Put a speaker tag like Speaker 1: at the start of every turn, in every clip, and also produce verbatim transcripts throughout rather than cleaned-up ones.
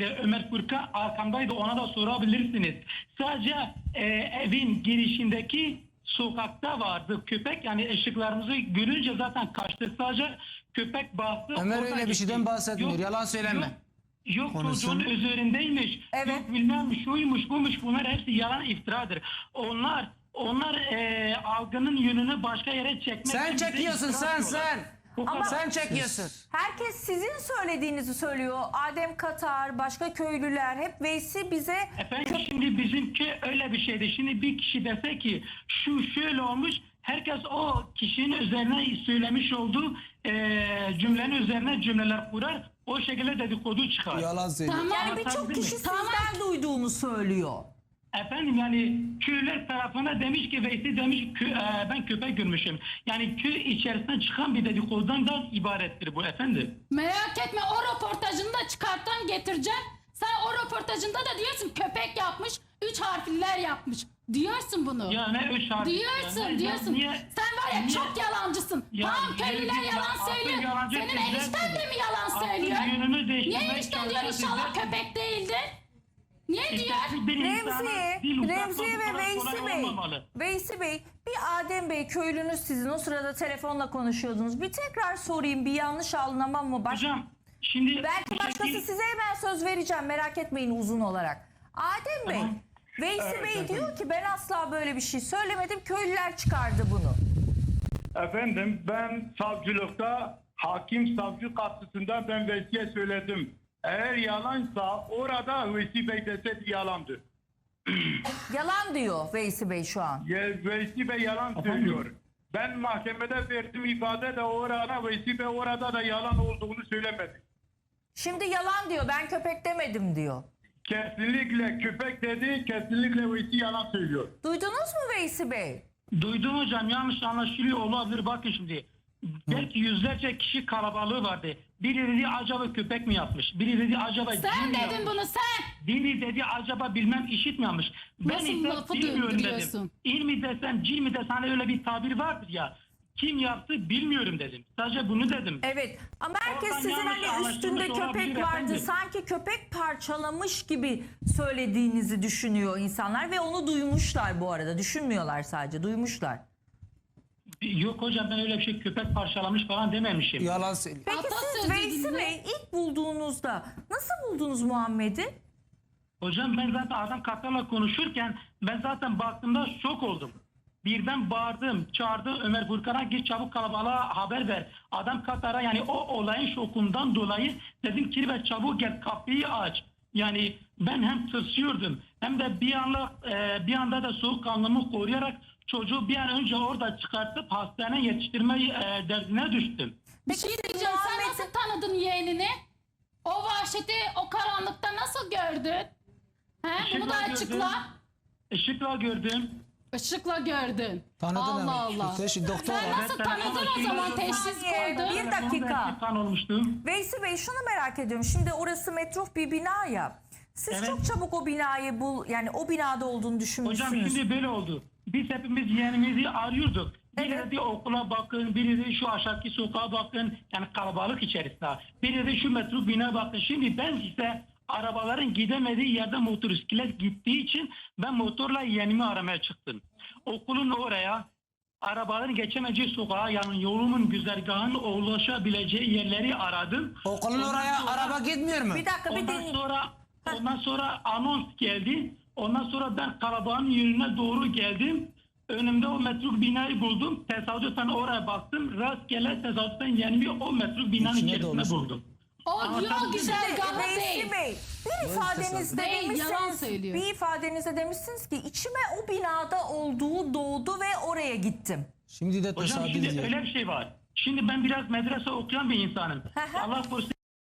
Speaker 1: şekilde Ömer Furkan arkamdaydı, ona da sorabilirsiniz. Sadece e, evin girişindeki sokakta vardı köpek, yani ışıklarımızı görünce zaten kaçtı, sadece köpek bastı.
Speaker 2: Ömer
Speaker 1: oradan
Speaker 2: öyle bir şeyden
Speaker 1: gitti.
Speaker 2: bahsetmiyor, yalan söyleme.
Speaker 1: Yok, yok
Speaker 2: Konuşsun.
Speaker 1: çocuğun üzerindeymiş,
Speaker 3: Evet.
Speaker 1: yok bilmem şuymuş buymuş, bunlar hepsi yalan, iftiradır. Onlar onlar e, algının yönünü başka yere çekmek
Speaker 2: Sen
Speaker 1: için bize
Speaker 2: çekiyorsun,
Speaker 1: iftira
Speaker 2: sen
Speaker 1: atıyorlar.
Speaker 2: sen.
Speaker 1: Bu
Speaker 3: Ama-
Speaker 1: kadar.
Speaker 2: Sen çekiyorsun.
Speaker 3: Herkes sizin söylediğinizi söylüyor. Adem Katar, başka köylüler hep Veysi bize
Speaker 1: Efendim şimdi bizimki öyle bir şeydi. Şimdi bir kişi dese ki şu şöyle olmuş, herkes o kişinin üzerine söylemiş olduğu e, cümlenin üzerine cümleler kurar. O şekilde dedikodu çıkar.
Speaker 2: Yalan söylüyor.
Speaker 4: Tamam.
Speaker 3: yani birçok
Speaker 1: Anlatabildim
Speaker 3: kişi
Speaker 1: mi?
Speaker 3: sizden duyduğunu söylüyor.
Speaker 1: Efendim yani köyler tarafına demiş ki Veysi demiş kö, e, ben köpek görmüşüm. Yani köy içerisinden çıkan bir dedikodudan da ibarettir bu efendim.
Speaker 4: Merak etme, o röportajını da çıkarttan getireceğim. Sen o röportajında da diyorsun köpek yapmış, üç harfliler yapmış. Diyorsun bunu.
Speaker 1: Ya ne üç harf.
Speaker 4: Diyorsun,
Speaker 1: ya, ne-
Speaker 4: diyorsun.
Speaker 1: niye-
Speaker 4: Sen var ya
Speaker 1: niye-
Speaker 4: çok yalancısın.
Speaker 1: Ya,
Speaker 4: tamam köylüler
Speaker 1: ya,
Speaker 4: yalan
Speaker 1: aslında
Speaker 4: söylüyor.
Speaker 1: yalancı
Speaker 4: Senin
Speaker 1: güzel
Speaker 4: enişten de
Speaker 1: dedi.
Speaker 4: mi yalan
Speaker 1: Aslında
Speaker 4: söylüyor?
Speaker 1: yönünü değiştirmeye
Speaker 4: Niye enişten diyor
Speaker 1: çalışan
Speaker 4: inşallah
Speaker 1: güzel-
Speaker 4: köpek değildin? Niye
Speaker 1: İşte
Speaker 4: diyor?
Speaker 1: bir insana
Speaker 3: Remziye,
Speaker 1: dil uzatmak
Speaker 3: Remziye
Speaker 1: bu
Speaker 3: ve
Speaker 1: kadar
Speaker 3: Veysi
Speaker 1: kolay
Speaker 3: Bey.
Speaker 1: olmamalı.
Speaker 3: Veysi Bey, bir Adem Bey köylünüz sizin, o sırada telefonla konuşuyordunuz. Bir tekrar sorayım, bir yanlış anlamam mı? Baş...
Speaker 1: Hocam şimdi
Speaker 3: Belki başkası
Speaker 1: Şekil-
Speaker 3: size hemen söz vereceğim, merak etmeyin uzun olarak. Adem Bey,
Speaker 1: Tamam.
Speaker 3: Veysi
Speaker 1: Evet,
Speaker 3: Bey
Speaker 1: efendim.
Speaker 3: diyor ki ben asla böyle bir şey söylemedim, köylüler çıkardı bunu.
Speaker 5: Efendim ben savcılıkta hakim savcı karşısında ben Veysi'ye söyledim. Eğer yalansa orada Veysi Bey deseydi yalandır.
Speaker 3: Yalan diyor Veysi Bey şu an.
Speaker 5: Ye- Veysi Bey yalan söylüyor. Ben mahkemede verdim ifade de orada Veysi Bey orada da yalan olduğunu söylemedi.
Speaker 3: Şimdi yalan diyor, ben köpek demedim diyor.
Speaker 5: Kesinlikle köpek dedi, kesinlikle Veysi yalan söylüyor.
Speaker 3: Duydunuz mu Veysi Bey?
Speaker 1: duydum hocam, yanlış anlaşılıyor olabilir. Bakın şimdi belki yüzlerce kişi kalabalığı vardı. Biri dedi acaba köpek mi yapmış? Biri dedi acaba cin
Speaker 4: Sen
Speaker 1: mi
Speaker 4: dedin
Speaker 1: yapmış?
Speaker 4: bunu sen.
Speaker 1: Biri dedi acaba bilmem işit mi yapmış? Ben
Speaker 4: Nasıl
Speaker 1: ise
Speaker 4: lafı
Speaker 1: bilmiyorum
Speaker 4: döndürüyorsun?
Speaker 1: dedim. İl mi desem cin mi desem, hani öyle bir tabir vardır ya. Kim yaptı bilmiyorum dedim. Sadece bunu dedim.
Speaker 3: Evet ama herkes
Speaker 1: Oradan
Speaker 3: sizin
Speaker 1: yanlış
Speaker 3: hani üstünde
Speaker 1: anlaşılmış
Speaker 3: köpek
Speaker 1: olabilir
Speaker 3: vardı,
Speaker 1: efendim.
Speaker 3: sanki köpek parçalamış gibi söylediğinizi düşünüyor insanlar ve onu duymuşlar bu arada. Düşünmüyorlar, sadece duymuşlar.
Speaker 1: Yok hocam, ben öyle bir şey köpek parçalamış falan dememişim.
Speaker 2: Yalan söylüyor.
Speaker 3: Peki siz
Speaker 4: Atasözü
Speaker 3: Veysi
Speaker 4: dinle.
Speaker 3: Bey ilk bulduğunuzda nasıl buldunuz Muhammed'i?
Speaker 1: Hocam ben zaten adam Katar'la konuşurken ben zaten baktığımda şok oldum. Birden bağırdım, çağırdı Ömer Furkan'a, git çabuk kalabalığa haber ver. Adam Katar'a, yani o olayın şokundan dolayı dedim ki ve çabuk gel kapıyı aç. Yani ben hem tırsıyordum hem de bir anda e, bir anda da soğukkanlımı koruyarak çocuğu bir an önce orada çıkartıp hastaneye yetiştirme e, derdine düştüm.
Speaker 4: Bir şey
Speaker 3: siz
Speaker 4: diyeceğim, sen
Speaker 3: Muhammed'i-
Speaker 4: nasıl tanıdın yeğenini? O vahşeti o karanlıkta nasıl gördün? He? Bunu da
Speaker 1: Işıkla
Speaker 4: açıkla.
Speaker 1: gördüm. Işıkla gördüm.
Speaker 4: Işıkla gördün.
Speaker 2: Tanıdın
Speaker 4: Allah
Speaker 2: ama.
Speaker 4: Allah.
Speaker 2: Teşhis doktor.
Speaker 4: Sen nasıl
Speaker 1: Evet,
Speaker 4: tanıdın
Speaker 1: telefonda
Speaker 4: o
Speaker 1: şey
Speaker 4: zaman
Speaker 1: var.
Speaker 4: teşhis
Speaker 3: Saniye,
Speaker 4: koydun?
Speaker 3: bir
Speaker 1: Telefonda
Speaker 3: dakika.
Speaker 1: eski kan olmuştum.
Speaker 3: Veysi Bey, şunu merak ediyorum. Şimdi orası metruf bir bina ya. Siz
Speaker 1: Evet.
Speaker 3: çok çabuk o binayı bul, yani o binada olduğunu düşünmüşsünüz.
Speaker 1: Hocam şimdi böyle oldu. Biz hepimiz yeğenimizi arıyorduk. Biri
Speaker 3: Evet.
Speaker 1: dedi okula bakın, biri dedi şu aşağıki sokağa bakın. Yani kalabalık içerisinde. Biri dedi şu metro bina bakın. Şimdi ben ise arabaların gidemediği yerde motosiklet gittiği için ben motorla yeğenimi aramaya çıktım. Okulun oraya, arabaların geçemeyeceği sokağa, yani yolumun güzergahının ulaşabileceği yerleri aradım.
Speaker 2: Okulun
Speaker 1: Ondan
Speaker 2: oraya
Speaker 1: sonra-
Speaker 2: araba gitmiyor mu?
Speaker 3: Bir dakika, bir
Speaker 1: Ondan
Speaker 3: dinleyin.
Speaker 1: sonra ondan sonra anons geldi. Ondan sonra ben kalabalığın yönüne doğru geldim. Önümde o metruk binayı buldum. Tesadüfen oraya baktım. Rastgele tesadüfen yani o metruk binanın
Speaker 2: İçine
Speaker 1: içerisinde
Speaker 2: dolmuş.
Speaker 1: buldum.
Speaker 4: O
Speaker 1: Ama
Speaker 4: yol
Speaker 1: tabii-
Speaker 4: güzergahı
Speaker 3: Veysi
Speaker 4: değil.
Speaker 3: Bey, bir ifadenizde
Speaker 4: Değil, yalan
Speaker 3: demişsiniz,
Speaker 4: söylüyor.
Speaker 3: bir ifadenizde demişsiniz ki içime o binada olduğu doğdu ve oraya gittim.
Speaker 2: Şimdi de
Speaker 1: Hocam
Speaker 2: tesadüf
Speaker 1: şimdi
Speaker 2: diyor.
Speaker 1: öyle bir şey var. Şimdi ben biraz medrese okuyan bir insanım.
Speaker 3: Hı hı.
Speaker 1: Allah korusun.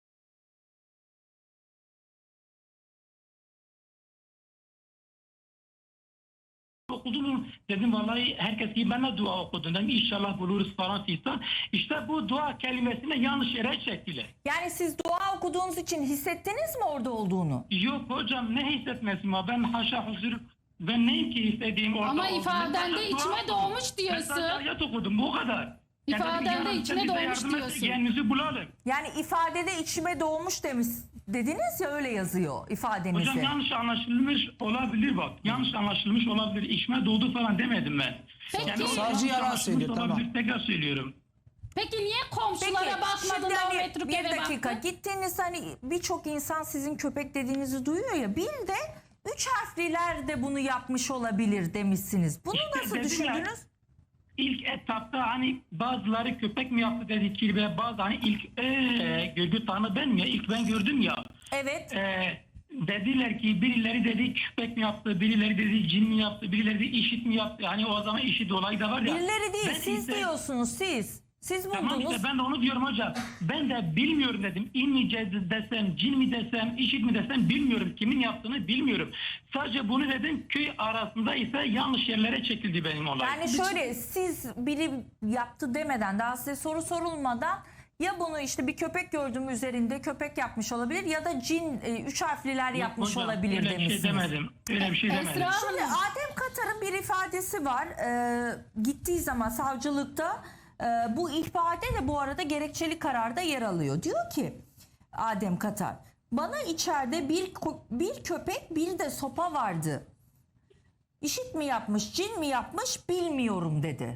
Speaker 1: Okudum dedim, vallahi herkes gibi ben de dua okudum dedim, inşallah buluruz falan filan. İşte bu dua kelimesini yanlış yere çektiler.
Speaker 3: Yani siz dua okuduğunuz için hissettiniz mi orada olduğunu?
Speaker 1: Yok hocam, ne hissetmesin var, ben haşa huzur, ben neyim ki istediğim orada
Speaker 4: Ama
Speaker 1: olduğum.
Speaker 4: ifadende
Speaker 1: Ben sadece dua
Speaker 4: içime
Speaker 1: okudum.
Speaker 4: doğmuş diyorsun.
Speaker 1: Ben sadece ayet okudum, bu kadar. Yani
Speaker 4: İfadende
Speaker 1: dedim, yarın
Speaker 4: içine
Speaker 1: bize
Speaker 4: doğmuş
Speaker 1: yardım et,
Speaker 4: diyorsun.
Speaker 1: yeğenimizi bulalım.
Speaker 3: Yani ifadede içime doğmuş demiş, dediniz ya, öyle yazıyor ifadenizde.
Speaker 1: Hocam yanlış anlaşılmış olabilir bak. Yanlış anlaşılmış olabilir. İçime doğdu falan demedim ben.
Speaker 4: Peki.
Speaker 1: o
Speaker 2: Savcı
Speaker 1: yanlış
Speaker 2: yalan
Speaker 1: anlaşılmış
Speaker 2: söylüyor, tamam.
Speaker 1: olabilir. Tekrar söylüyorum.
Speaker 4: Peki niye komşulara
Speaker 3: Peki
Speaker 4: bakmadın
Speaker 3: şimdi
Speaker 4: da o
Speaker 3: hani
Speaker 4: metruk
Speaker 3: bir
Speaker 4: eve
Speaker 3: dakika
Speaker 4: baktın?
Speaker 3: gittiğiniz, hani birçok insan sizin köpek dediğinizi duyuyor ya, bir de üç harfliler de bunu yapmış olabilir demişsiniz. Bunu
Speaker 1: İşte
Speaker 3: nasıl
Speaker 1: dedim ya,
Speaker 3: düşündünüz?
Speaker 1: İlk etapta hani bazıları köpek mi yaptı dedi ki ve bazı hani ilk ee, görgü tanı ben mi ya ilk ben gördüm ya.
Speaker 3: Evet.
Speaker 1: Ee, dediler ki birileri dedi köpek mi yaptı, birileri dedi cin mi yaptı, birileri de işit mi yaptı. Hani o zaman işit olayı da var ya.
Speaker 3: Birileri değil,
Speaker 1: Ben
Speaker 3: siz
Speaker 1: ise-
Speaker 3: diyorsunuz, siz. Siz
Speaker 1: Tamam
Speaker 3: buldunuz.
Speaker 1: işte ben de onu diyorum hocam. Ben de bilmiyorum dedim. İn mi ce- desem, cin mi desem, işit mi desem bilmiyorum. Kimin yaptığını bilmiyorum. Sadece bunu dedim, köy arasında ise yanlış yerlere çekildi benim olay.
Speaker 3: Yani şöyle, siz biri yaptı demeden, daha size soru sorulmadan, ya bunu işte bir köpek gördüğüm üzerinde köpek yapmış olabilir ya da cin e, üç harfliler
Speaker 1: Yok
Speaker 3: yapmış
Speaker 1: hocam,
Speaker 3: olabilir
Speaker 1: öyle bir
Speaker 3: demişsiniz.
Speaker 1: şey demedim. Öyle bir şey
Speaker 4: Esra
Speaker 1: demedim.
Speaker 4: Hanım.
Speaker 3: Şimdi Adem Katar'ın bir ifadesi var. Ee, gittiği zaman savcılıkta e, bu ihbarda de bu arada gerekçeli kararda yer alıyor. Diyor ki Adem Katar, bana içeride bir ko- bir köpek bir de sopa vardı. İşit mi yapmış, cin mi yapmış bilmiyorum dedi.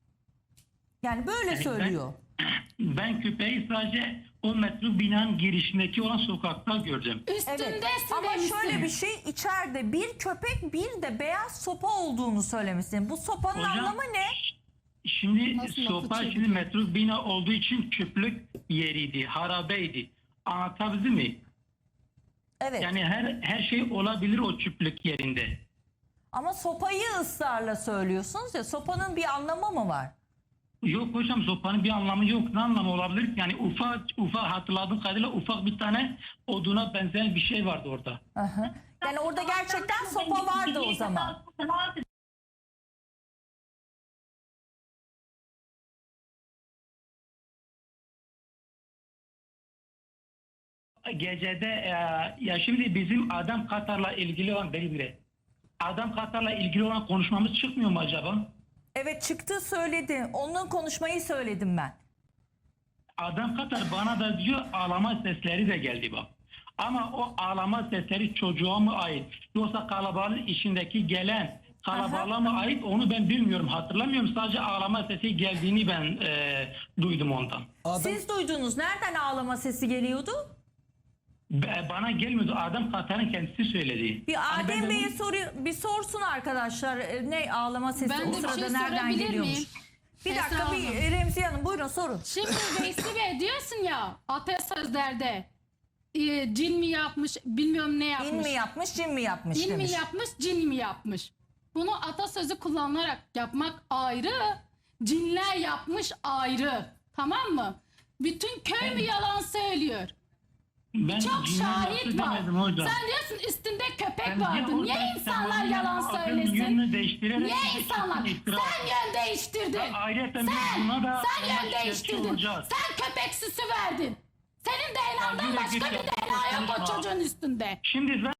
Speaker 3: Yani böyle
Speaker 1: Yani ben-
Speaker 3: söylüyor.
Speaker 1: Ben köpeği sadece o metro binanın girişindeki olan sokakta gördüm.
Speaker 4: Üstündesin
Speaker 3: Evet. Ama
Speaker 4: demişsin.
Speaker 3: şöyle bir şey, içeride bir köpek bir de beyaz sopa olduğunu söylemişsin. Bu sopanın
Speaker 1: Hocam,
Speaker 3: anlamı ne?
Speaker 1: Şimdi
Speaker 4: Nasıl lafı
Speaker 1: sopa
Speaker 4: çeviriyor?
Speaker 1: şimdi metro bina olduğu için çöplük yeriydi, harabeydi. Anlatabildim mi?
Speaker 3: Evet.
Speaker 1: Yani her her şey olabilir o çöplük yerinde.
Speaker 3: Ama sopayı ısrarla söylüyorsunuz ya, sopanın bir anlamı mı var?
Speaker 1: Yok hocam sopanın bir anlamı yok. Ne anlamı olabilir ki? Yani ufak ufak hatırladığım kadarıyla ufak bir tane oduna benzeyen bir şey vardı orada.
Speaker 3: Aha. Yani orada gerçekten sopa vardı o zaman.
Speaker 1: Gecede e, ya şimdi bizim Adam Katar'la ilgili olan belirli. Adam Katar'la ilgili olan konuşmamız çıkmıyor mu acaba?
Speaker 3: Evet, çıktı, söyledi. Onun konuşmayı söyledim ben.
Speaker 1: Adam Katar bana da diyor ağlama sesleri de geldi bak. Ama o ağlama sesleri çocuğa mı ait? Yoksa kalabalığın içindeki gelen kalabalığa mı ait onu ben bilmiyorum, hatırlamıyorum. Sadece ağlama sesi geldiğini ben e, duydum ondan.
Speaker 2: Adam,
Speaker 3: Siz duydunuz. Nereden ağlama sesi geliyordu?
Speaker 1: Be- Bana gelmiyordu. Adam Katar'ın kendisi söyledi.
Speaker 3: Bir
Speaker 1: Hani ben
Speaker 3: Adem
Speaker 1: de
Speaker 3: Bey'e
Speaker 1: onu-
Speaker 3: soruyor, bir sorsun arkadaşlar. E, Ne ağlama sesi
Speaker 4: Ben
Speaker 3: o
Speaker 4: de bir
Speaker 3: sırada
Speaker 4: şey
Speaker 3: nereden
Speaker 4: sorabilir
Speaker 3: geliyormuş?
Speaker 4: miyim?
Speaker 3: Bir
Speaker 4: Esra
Speaker 3: dakika, bir
Speaker 4: Hanım.
Speaker 3: e, Remziye Hanım buyurun sorun.
Speaker 4: Şimdi Veysi Bey diyorsun ya atasözlerde e, cin mi yapmış bilmiyorum ne yapmış.
Speaker 3: İn mi yapmış, cin mi yapmış
Speaker 4: Cin
Speaker 3: demiş.
Speaker 4: mi yapmış, cin mi yapmış? Bunu atasözü kullanarak yapmak ayrı, cinler yapmış ayrı. Tamam mı? Bütün köy mü yalan söylüyor?
Speaker 1: Ben
Speaker 4: Çok
Speaker 1: cinler
Speaker 4: şahit
Speaker 1: yaptı
Speaker 4: var.
Speaker 1: demedim hocam.
Speaker 4: Sen diyorsun üstünde köpek
Speaker 1: Ben
Speaker 4: vardı.
Speaker 1: diye
Speaker 4: Niye
Speaker 1: orada
Speaker 4: insanlar
Speaker 1: sen
Speaker 4: yalan
Speaker 1: onun adının
Speaker 4: söylesin?
Speaker 1: yönünü değiştirerek
Speaker 4: Niye
Speaker 1: bir
Speaker 4: insanlar?
Speaker 1: kesin iftira-
Speaker 4: Sen yön değiştirdin.
Speaker 1: Ya ayrıca biz
Speaker 4: Sen,
Speaker 1: buna da
Speaker 4: sen
Speaker 1: ona
Speaker 4: yön
Speaker 1: şikayetçi
Speaker 4: değiştirdin.
Speaker 1: olacağız.
Speaker 4: Sen köpek süsü verdin. Senin D N A'dan
Speaker 1: yürü
Speaker 4: başka
Speaker 1: git
Speaker 4: bir
Speaker 1: ya,
Speaker 4: D N A yok o
Speaker 1: konuşma.
Speaker 4: çocuğun üstünde.
Speaker 1: Şimdi ben